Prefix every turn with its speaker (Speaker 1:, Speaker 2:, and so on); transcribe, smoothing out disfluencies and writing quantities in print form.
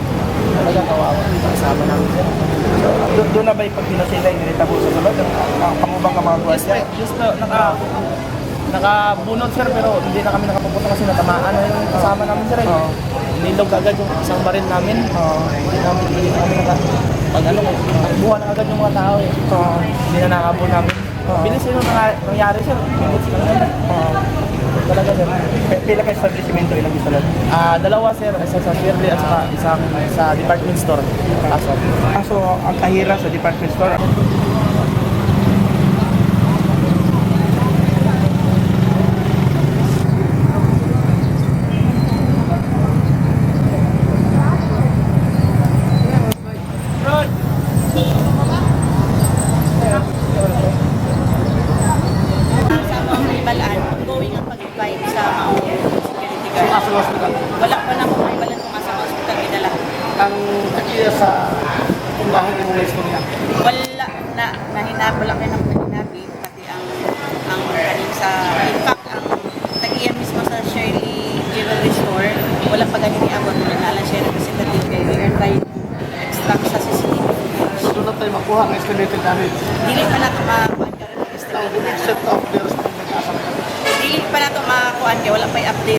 Speaker 1: Talaga kawawa. Kasama namin sir.
Speaker 2: Doon na ba yung pag sila inilita po sa sulod? Ang pangubang ka mga gwardiya?
Speaker 1: Yes po, nakabunot sir pero hindi na kami nakapupunta kasi natamaan na yung kasama namin sir.
Speaker 2: Oo.
Speaker 1: Nilog agad yung isang baril namin. Hindi na kami pag buwan na agad yung mga tao eh. Hindi na nakabun namin. Bilis yun yung nangyari sir. Bilis lang yun. Talaga sir.
Speaker 2: Pila ka establishmento ilang isulod?
Speaker 1: Dalawa sir, isa sa Shirley at saka isang sa department store. Kaso.
Speaker 2: So, ang kahira sa department store.
Speaker 3: Balaan, ongoing ang pag-apply sa security guard. Wala pa na kung balan kung sa hospital dinala.
Speaker 2: Ang kakiya sa kumbahan ng mga istorya.
Speaker 3: Wala na wala kayo ng paninabi, pati ang kanin sa, in fact, ang tagiyan mismo sa Shirley Jewelry Store, wala pa ganyan iabot na nalang siya representative kay meron tayo extract sa CCTV.
Speaker 2: So, doon na tayo makuha ng estimated damage.
Speaker 3: Dili pa na ito makakuan ka rin ng estimate na.
Speaker 2: Except of the rest of the nag-asap.
Speaker 3: Dili pa na ito makakuan kaya wala pa i-update